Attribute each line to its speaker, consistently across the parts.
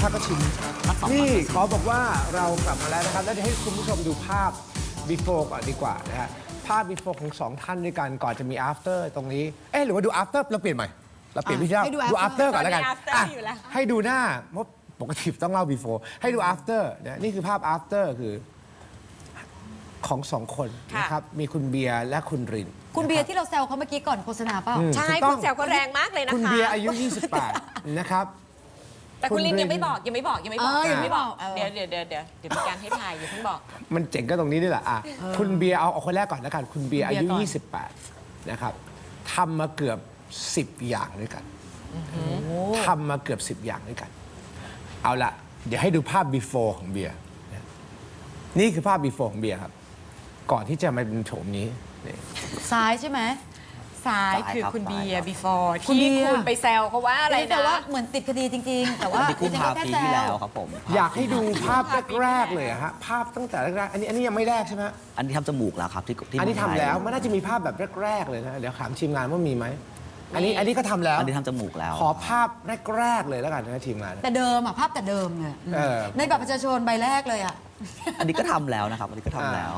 Speaker 1: พักก็ชิมนี่ขอบอกว่าเรากลับมาแล้วนะครับแล้วจะให้คุณผู้ชมดูภาพ before ก่อนดีกว่านะฮะภาพ before ของ2ท่านด้วยกันก่อนจะมี after ตรงนี้หรือว่าดู after เราเปลี่ยนใหม่เราเปลี่ยนวิธีดู after ก่อนแล้วกันให้ดูหน้าเพราะปกติต้องเล่า before ให้ดู after นะนี่คือภาพ after คือของ2คนนะครับมีคุณเบียร์และคุณริน
Speaker 2: คุณเบียร์ที่เราแซวเขาเมื่อกี้ก่อนโฆษณาเปล่า
Speaker 3: ใช่คุณแซวเขาแรงมากเลยนะคะ
Speaker 1: คุณเบียร์อายุ 28 นะครับ
Speaker 3: แต่คุณลินยังไม่บอกเดี๋ยวมีการให้ทายอย่าเพิ่งบอก
Speaker 1: มันเจ๋งก็ตรงนี้นี่แหละคุณเบียร์เอาคนแรกก่อนแล้วกันคุณเบียร์อายุ 28 นะครับทำมาเกือบ10 อย่างด้วยกันทำมาเกือบ10 อย่างด้วยกันเอาละเดี๋ยวให้ดูภาพ before ของเบียร์นี่คือภาพ before ของเบียร์ครับก่อนที่จะมาเป็นโฉมนี้
Speaker 2: ซ้ายใช่ไหม
Speaker 3: ซ้ายคือคุณเบียร์ before ที่คุณไปแซวเขาว่าอะไรนะ
Speaker 2: แต่ว่าเหมือนติดคดีจริงๆแต่ว่า
Speaker 4: คุณพาปีที่แล้วครับผม
Speaker 1: อยากให้ดูภาพแรกๆเลยฮะภาพตั้งแต่แรกๆอันนี้ยังไม่แรกใช่ไหม
Speaker 4: อันนี้ทำจมูกแล้วครับที่
Speaker 1: อันนี้ทำแล้วมันน่าจะมีภาพแบบแรกๆเลยนะเดี๋ยวถามทีมงานว่ามีไหมอันนี้ก็ทำแล้ว
Speaker 4: อันนี้ทำจมูกแล้ว
Speaker 1: ขอภาพแรกๆเลยแล้วกันนะทีมงาน
Speaker 2: แต่เดิมภาพแต่เดิมเนี่ยในบัตรประชาชนใบแรกเลย
Speaker 4: อันนี้ก็ทำแล้วนะครับอันนี้ก็ทำแล้ว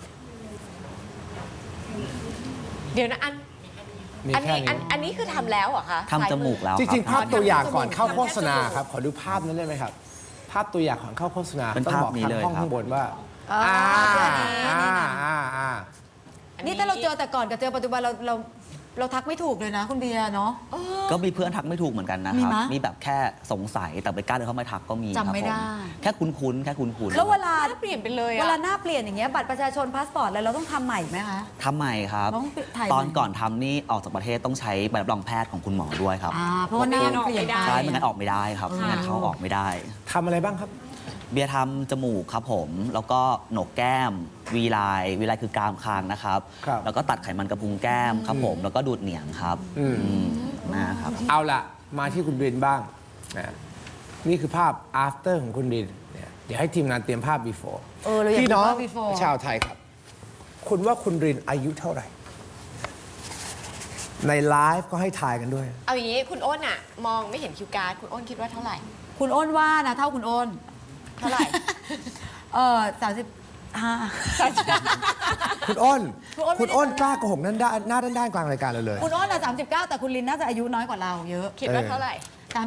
Speaker 3: เดี๋ยวนะอันนี้คือทำแล้วเหรอคะ
Speaker 4: ทำจมูกแล้ว
Speaker 1: จริงๆภาพตัวอย่างก่อนเข้าโฆษณาครับขอดูภาพนั้นได้ไหมครับภาพตัวอย่างก่อนเข้าโฆษณา
Speaker 4: เป็นภาพนี้เลย
Speaker 1: ห้องข้างบนว่า
Speaker 2: นี่ถ้าเราเจอแต่ก่อนกับเจอปัจจุบันเราทักไม่ถูกเลยนะคุณเบียร์เนาะ
Speaker 4: ก็มีเพื่อนทักไม่ถูกเหมือนกันนะครับมีแบบแค่สงสัยแต่ไม่กล้าเดินเข้ามาทักก็มี
Speaker 2: จำไม่ได้
Speaker 4: แค่คุ้นๆแค่คุ้น
Speaker 2: ๆแล้วเวลา
Speaker 3: เปลี่ยนไปเลย
Speaker 2: เวลาหน้าเปลี่ยนอย่างเงี้ยบัตรประชาชนพาสปอร์ตอะไรเราต้องทำใหม่ไหมคะ
Speaker 4: ทำใหม่ครับตอนก่อนทำนี่ออกจากประเทศต้องใช้ใบรับรองแพทย์ของคุณหมอด้วยครับ
Speaker 2: เพราะว่าหน้าเปลี่ยน
Speaker 4: ใช่ไม่งั้นออกไม่ได้ครับไม่งั้นเขาออกไม่ได้
Speaker 1: ทำอะไรบ้างครับ
Speaker 4: เบียร์ทำจมูกครับผมแล้วก็โหนกแก้มวีไลน์คือกรามคางนะครับแล้วก็ตัดไขมันกระพุ้งแก้มครับผมแล้วก็ดูดเหนียงครับนะครับ
Speaker 1: เอาละมาที่คุณรินบ้างนี่คือภาพ after ของคุณรินเดี๋ยวให้ทีมงานเตรียมภาพ before พี่น้องชาวไทยครับคุณว่าคุณรินอายุเท่าไหร่ในไลฟ์ก็ให้ทายกันด้วย
Speaker 3: เอาอย่างนี้คุณอ้นมองไม่เห็นคิวการ์ดคุณอ้นคิดว่าเท่าไหร่
Speaker 2: คุณอ้นว่านะเท่าคุณอ้น
Speaker 3: เท่าไหร่
Speaker 2: 35
Speaker 1: คุณอ้นกล้าโกหกหน้าด้านกลางรายการเราเลย
Speaker 2: คุณอ้น39แต่คุณลินน่าจะอายุน้อยกว่าเราเยอะ
Speaker 3: คิดว่าเท่าไหร่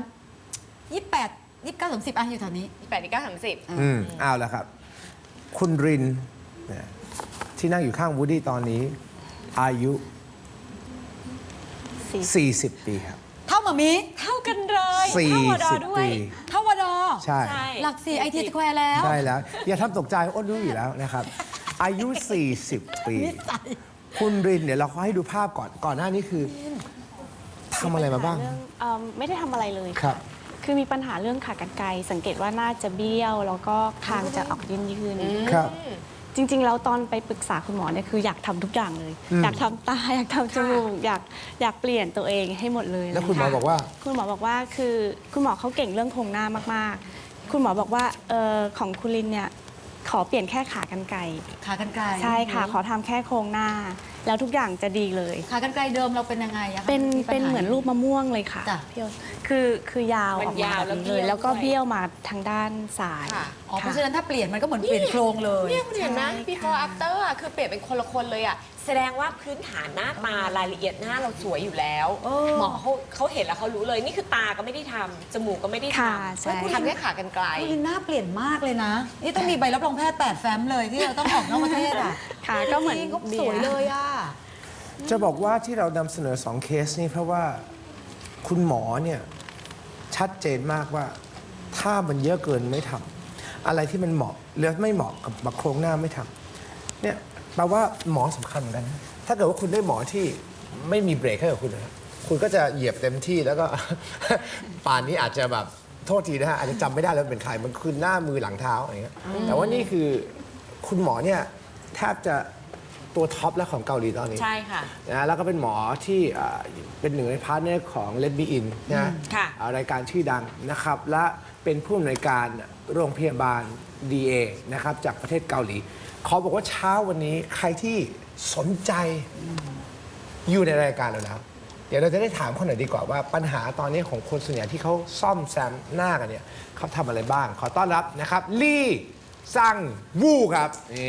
Speaker 2: 28 29 30อยู่แถวนี้
Speaker 3: 28 29 30
Speaker 1: เอาละครับคุณรินที่นั่งอยู่ข้างวูดดี้ตอนนี้อายุ40 ปีครับ
Speaker 2: เท่าหมามิ
Speaker 3: เท่ากันเลยเท่าวดอด้วย
Speaker 2: เท่าวดอ
Speaker 1: ใช่
Speaker 2: หลัก4 IT Square แล้ว
Speaker 1: ใช่แล้วอย่าทำตกใจอ้นรู้อยู่แล้วนะครับอายุ40 ปีคุณรินเดี๋ยวเราขอให้ดูภาพก่อนหน้านี้คือทำอะไรมาบ้าง
Speaker 5: ไม่ได้ทำอะไรเลย
Speaker 1: ครับ
Speaker 5: คือมีปัญหาเรื่องขากรรไกรสังเกตว่าน่าจะเบี้ยวแล้วก็คางจะออกยืน
Speaker 1: ครับ
Speaker 5: จริงๆแล้วตอนไปปรึกษาคุณหมอเนี่ยคืออยากทำทุกอย่างเลยอยากทำตาอยากทำจมูกอยากเปลี่ยนตัวเองให้หมดเลย
Speaker 1: แล้วคุณหมอบอกว่า
Speaker 5: คือคุณหมอเขาเก่งเรื่องโครงหน้ามากๆคุณหมอบอกว่าของคุณลินเนี่ยขอเปลี่ยนแค่ขากรรไกรใช่ค่ะขอทำแค่โครงหน้าแล้วทุกอย่างจะดีเลย
Speaker 2: ขากรรไกรเดิมเราเป็นยังไงอะคะ
Speaker 5: เป็นเหมือนรูปมะม่วงเลยค่ะคือยาวออกมาเลยแล้วก็เบี้ยวมาทางด้านซ้าย
Speaker 2: เพราะฉะนั้นถ้าเปลี่ยนมันก็เหมือนเปลี่ยนโครงเลย
Speaker 3: เนี่ยคุณเห็นนะ before after คือเปลี่ยนเป็นคนละคนเลยแสดงว่าพื้นฐานหน้าตารายละเอียดหน้าเราสวยอยู่แล้วหมอเขาเห็นแล้วเขารู้เลยนี่คือตาก็ไม่ได้ทำจมูกก็ไม่ได้ทำคุณทำแค่ขากรรไกร
Speaker 2: คุณหน้าเปลี่ยนมากเลยนะนี่ต้องมีใบรับรองแพทย์8 แฟ้มเลยที่เราต้องออกนอกประเทศ
Speaker 5: ค่ะก็เหมือน
Speaker 2: สวยเลย
Speaker 1: จะบอกว่าที่เรานำเสนอ2 เคสนี่เพราะว่าคุณหมอเนี่ยชัดเจนมากว่าถ้ามันเยอะเกินไม่ทำอะไรที่มันเหมาะหรือไม่เหมาะกับโครงหน้าไม่ทำเนี่ยแปลว่าหมอสำคัญเหมือนกันถ้าเกิดว่าคุณได้หมอที่ไม่มีเบรกให้กับคุณนะคุณก็จะเหยียบเต็มที่แล้วก็ ป่านนี้อาจจะแบบโทษทีนะฮะอาจจะจำไม่ได้แล้วเป็นใครมันคือหน้ามือหลังเท้าอะไรเงี้ยแต่ว่านี่คือคุณหมอเนี่ยแทบจะตัวท็อปแล้วของเกาหลีตอนนี้
Speaker 3: ใช่ค่ะ
Speaker 1: นะแล้วก็เป็นหมอที่เป็นหนึ่งในพาร์ทเนอร์ของ Let Me In นะรายการชื่อดังนะครับและเป็นผู้อำนวยการโรงพยาบาล DA นะครับจากประเทศเกาหลีขอบอกว่าเช้าวันนี้ใครที่สนใจอยู่ในรายการเราแล้วเดี๋ยวเราจะได้ถามเขาหน่อยดีกว่าว่าปัญหาตอนนี้ของคนส่วนใหญ่ที่เขาซ่อมแซมหน้ากันเนี่ยเขาทำอะไรบ้าง ขอต้อนรับนะครับลี่ซังวูครับนี่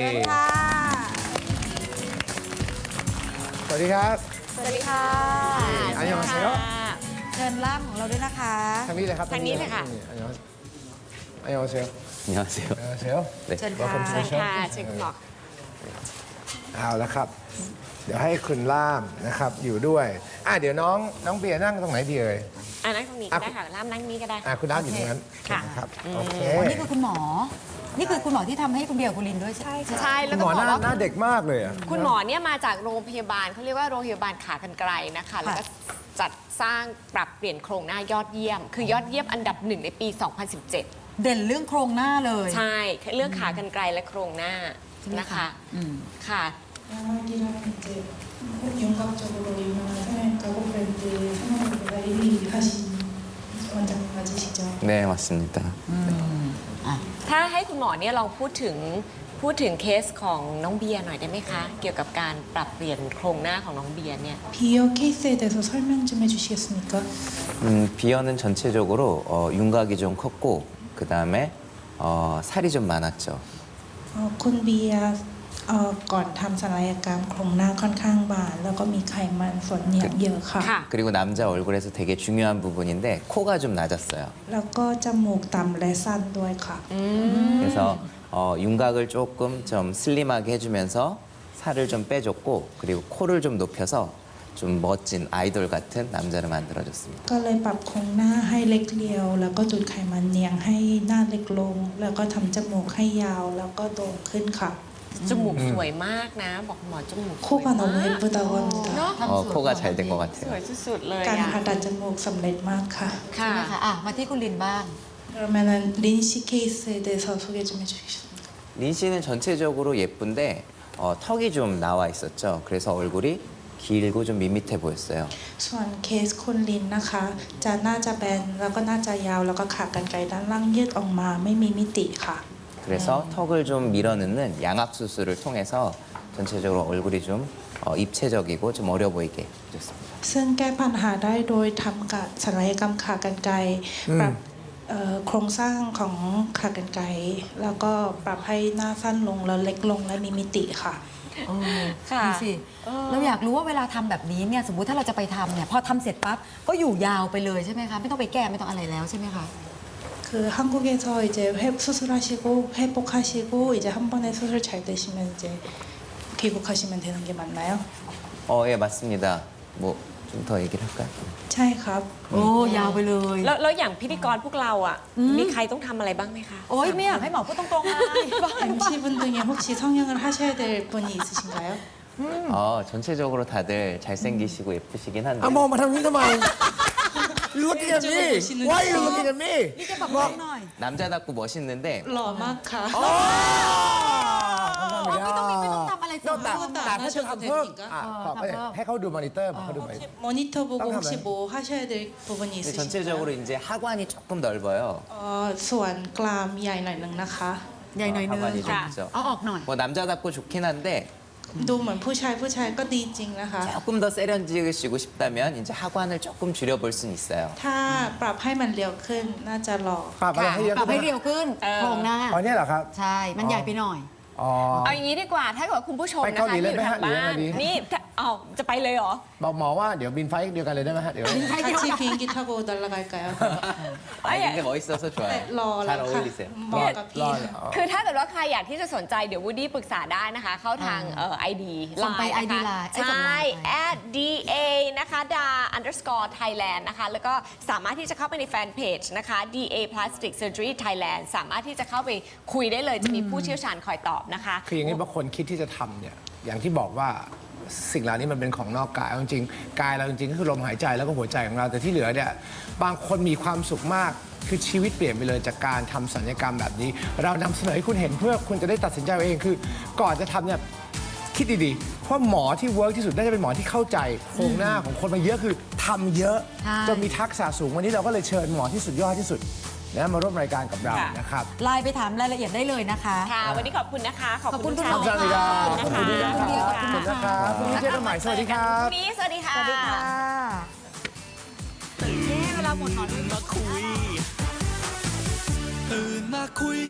Speaker 1: สวัสดีครับ
Speaker 2: สวัสดีค่ะ
Speaker 1: อันยองเซล
Speaker 2: เชิญล่ามของเราด้วยนะคะ
Speaker 1: ทางนี้เลยครับ
Speaker 3: ทางนี้เลยค่ะ
Speaker 1: อันยองเซล
Speaker 4: 안녕하세요.
Speaker 1: อันยองเซล
Speaker 2: เชิญ
Speaker 1: Welcome to
Speaker 2: ค่ะ
Speaker 1: the show
Speaker 3: ค่ะเชิญคุณหมอ
Speaker 1: เอาละครับ เดี๋ยวให้คุณล่ามนะครับอยู่ด้วยเดี๋ยวน้องเบียร์นั่งตรงไหนดีเอ่ย
Speaker 3: นั่งตรงนี้ก็ได้ค่ะล่ามนั่งนี้ก็ได้
Speaker 1: คุณล่ามอยู่ตรงนั้น
Speaker 3: ค่ะ
Speaker 1: นะครับโอเค
Speaker 2: นี่คือคุณหมอ นี่คือคุณหมอที่ทำให้คุณเบียร์คุณลินด้วยใช่
Speaker 3: ใช่
Speaker 1: คุ
Speaker 3: แล้ว
Speaker 1: ณห
Speaker 3: ต้
Speaker 1: ม
Speaker 3: อ
Speaker 1: อง
Speaker 3: บอกว่า
Speaker 1: หน้าเด็กมากเลยอ่ะ
Speaker 3: คุณหมอเนี่ยมาจากโรงพยาบาลเขาเรียกว่าโรงพยาบาลขากรรไกรนะคะ แล้วก็จัดสร้างปรับเปลี่ยนโครงหน้ายอดเยี่ยม คือยอดเยี่ยมอันดับ1ในปี 2017
Speaker 2: เด่นเรื่องโครงหน้าเลย
Speaker 3: ใช่ เรื่องขากรรไกรและโครงหน้านะคะ ค่ะ
Speaker 6: 양악이라는 이제 윤곽적으로 유명한 성형외과 브랜드 성형외과 1위 하신 원장님 맞으시죠?
Speaker 7: 네, 맞습니다.
Speaker 3: ถ้าให้คุณหมอเนี่ยลองพูดถึงเคสของน้องเบียร์หน่อยได้ไหมคะ เกี่ยวกับการปรับเปลี่ยนโครงหน้าของน้องเบียร์เนี่ย
Speaker 6: 비어 케이스에 대해서 설명 좀 해주시겠습니까?
Speaker 7: 비어는 전체적으로 윤곽이 좀 컸고 그 다음에 살이 좀 많았죠.
Speaker 6: คุณเบียร์ก่อนทำศัลยกรรมโครงหน้าค่อนข้างบานแล้วก็มีไขมันส่วนเหนียงเยอะค่ะ
Speaker 3: ค่ะ
Speaker 7: 그리고 남자 얼굴에서 되게 중요한 부분인데 코가 좀 낮았어요.
Speaker 6: แล้วก็จมูกต่ำและสั้นด้วยค่ะ
Speaker 7: 그래서 윤곽을 조금 좀 슬림하게 해주면서 살을 좀 빼줬고 그리고 코를 좀 높여서 좀 멋진 아이돌 같은 남자를 만들어줬습니다.
Speaker 6: ก็เลยปรับโครงหน้าให้เล็กเรียว แล้วก็จุดไขมันเนียงให้หน้าเล็กลง แล้วก็ทำจมูกให้ยาวแล้วก็โด่งขึ้นค่ะ
Speaker 3: จมูกสวยมากนะ บอกหมอจมูกสวย
Speaker 6: 코가
Speaker 3: มาก
Speaker 6: 너무 예쁘다고 합니다.
Speaker 3: เนาะ
Speaker 7: 코가 잘 된 것
Speaker 3: ส
Speaker 7: 같아요.
Speaker 3: วยสุดๆเลย
Speaker 6: การ
Speaker 3: อะ
Speaker 6: ผ่าตัดจมูกสำเร็จมากค่ะ
Speaker 3: ค่ะ
Speaker 2: นะคะมาที่คุณลินบ้าง
Speaker 6: 그러면은 린씨 케이스에 대해서 소개 좀 해주시겠습니까?
Speaker 7: 린 씨는 전체적으로 예쁜데 턱이 좀 나와 있었죠. 그래서 얼굴이 길고 좀 밋밋해 보였어요.
Speaker 6: ส่วนเคสคุณลินนะคะ จะน่าจะแบนแล้วก็น่าจะยาวแล้วก็ขากรรไกรด้านล่างยืดออกมาไม่มีมิติค่ะ
Speaker 7: 그래서 턱을 좀 밀어넣는 양압 수술을 통해서 전체적으로 얼굴이 좀 입체적이고 좀 어려 보이게 해줬습니다.
Speaker 6: ซึ่งแก้ปัญหาได้โดยทำกับศัลยกรรมขากรรไกรปรับโครงสร้างของขากรรไกรแล้วก็ปรับให้หน้าสั้นลงแล้วเล็กลงและมีมิติค่ะ
Speaker 3: ค่ะ
Speaker 2: ดูสิเราอยากรู้ว่าเวลาทำแบบนี้เนี่ยสมมุติถ้าเราจะไปทำเนี่ยพอทำเสร็จปั๊บก็อยู่ยาวไปเลยใช่ไหมคะไม่ต้องไปแก้ไม่ต้องอะไรแล้วใช่ไหมคะ
Speaker 6: 그 한국에서 이제 수술하시고 회복하시고 이제 한 번에 수술 잘 되시면 이제 귀국하시면 되는 게 맞나요?
Speaker 7: 예, 맞습니다. 뭐 좀 더 얘기를 할까요?
Speaker 6: ใช่ครับ
Speaker 2: โอ้ยาวไปเลย
Speaker 3: แล้วอย่างพิธีกรพวกเราอ่ะ มีใครต้องทำอะไรบ้างไหมคะ
Speaker 2: โอ้ยไม่อยากให้หมอพูดตรงๆเลย
Speaker 6: MC분 중에 혹시 성형을 하셔야 될 분이 있으신가요?
Speaker 7: 전체적으로 다들 잘생기시고 예쁘시긴 한데
Speaker 1: มองมาทางนี้ทำไม looking at me why you looking at me
Speaker 2: นี่จะบอกน้องหน่อย
Speaker 7: 남자답고 멋있는데
Speaker 6: หล่อมากค่ะ
Speaker 2: ไม่ต้องทำอะไรเสริม
Speaker 1: แต่
Speaker 2: เพิ่ม
Speaker 1: ถ้าจะทำเพิ่มขอไป
Speaker 2: ทำเพิ่ม
Speaker 1: ให้เขาดูมอนิเตอร์บอกเขาดูมอนิเตอร์
Speaker 6: 모니터 보고
Speaker 1: 깜깜해.
Speaker 6: 혹시 뭐 하셔야 될 부분이
Speaker 7: 근데
Speaker 6: 있으신가요?
Speaker 7: 전체적으로 이제 하관이 조금 넓어요.
Speaker 6: ส่วนกรามใหญ่หน่อยหนึ่งนะคะ
Speaker 2: ใหญ่หน่อยนึง
Speaker 7: 하관이 좀
Speaker 3: ค่ะ
Speaker 7: 있죠.
Speaker 2: เอาออกหน่อย
Speaker 7: 뭐 남자답고 좋긴 한데
Speaker 6: ดูเหมือนผู้ชายก็ดีจริงนะคะ
Speaker 7: 조금 더 세련지으시고 싶다면 이제 하관을 조금 줄여볼 순 있어요.
Speaker 6: ถ้าปรับให้มันเรียวขึ้นน่าจะหล่อ
Speaker 1: ปรับอะไรให้เยอะ
Speaker 2: ปรับ
Speaker 1: ขึ้
Speaker 2: ให้
Speaker 1: น
Speaker 2: เรียวขึ้นโครงหน้า
Speaker 1: อ๋อเนี่ยเหรอครับ
Speaker 2: ใช่ มันใหญ่ไปหน่อย
Speaker 1: อ๋อ
Speaker 3: เอาอย่างนี้ดีกว่า ถ้าเกิดว่าคุณผู้ชม
Speaker 1: ไป
Speaker 3: นะ
Speaker 1: เกาห
Speaker 3: คะ
Speaker 1: ลี
Speaker 3: ที่
Speaker 1: เลย
Speaker 3: อยู่
Speaker 1: ไหม
Speaker 3: ทา
Speaker 1: ฮะ
Speaker 3: งบ้า
Speaker 1: หรือยังไง
Speaker 3: น
Speaker 1: ดี
Speaker 3: นี่เอาจะไปเลยเหรอ
Speaker 1: บอกหมอว่าเดี๋ยวบินไฟล์เดียวกันเลยได้ไหมฮะเดี๋ยว
Speaker 6: 같이 비행기 타고 날아갈까요?
Speaker 7: 아니 근데 멋있어서 좋아요.
Speaker 6: 러
Speaker 7: 잘 어울리세요.
Speaker 6: เหมาะกับพี่
Speaker 3: คือถ้าเกิดว่าใครอยากที่จะสนใจเดี๋ยววูดดี้ปรึกษาได้นะคะ เข้าทางID
Speaker 2: ส่งไป
Speaker 3: Line นะคะ
Speaker 2: ID Line
Speaker 3: ใช่
Speaker 2: ส่ง Line ไป
Speaker 3: @da นะคะ da_thailand นะคะ แล้วก็สามารถที่จะเข้าไปในแฟนเพจนะคะ da plastic surgery Thailand สามารถที่จะเข้าไปคุยได้เลยจะมีผู้เชี่ยวชาญคอยตอบนะคะ
Speaker 1: คืออย่างนี้บางคนคิดที่จะทำเนี่ยอย่างที่บอกว่าสิ่งเหล่านี้มันเป็นของนอกกายเอาจริงๆกายเราจริงๆก็คือลมหายใจแล้วก็หัวใจของเราแต่ที่เหลือเนี่ยบางคนมีความสุขมากคือชีวิตเปลี่ยนไปเลยจากการทำศัลยกรรมแบบนี้ เรานำเสนอให้คุณเห็นเพื่อคุณจะได้ตัดสินใจเอาเองคือก่อนจะทำเนี่ยคิดดีๆเพราะหมอที่เวิร์กที่สุดน่าจะเป็นหมอที่เข้าใจโครงหน้าของคนมาเยอะคือทำเยอะ
Speaker 2: ใช่
Speaker 1: จนมีทักษะสูงวันนี้เราก็เลยเชิญหมอที่สุดยอดที่สุดนะมาร่วมรายการกับเรา
Speaker 3: ค่ะ
Speaker 1: นะครับ
Speaker 2: ไลน์ไปถามรายละเอียดได้เลยนะคะ
Speaker 3: ค่ะ วันนี้ขอบคุณนะคะ ขอบ
Speaker 2: ขอบคุ
Speaker 3: คุณ
Speaker 2: ณ
Speaker 3: ชาว
Speaker 2: คุณ
Speaker 1: สวัสดีครับ
Speaker 3: นะ
Speaker 1: ขอบ
Speaker 3: คะ
Speaker 1: คุณครับ
Speaker 2: ขอบคุณ
Speaker 1: ขอบคุณนะครับพรุ่งนี้เจอกันใหม่สวัสดีครับ
Speaker 3: พรุ่งนี้สวัสดีค่ะ
Speaker 2: สวัสดีค่ะลาหมดหนอน
Speaker 8: มาคุย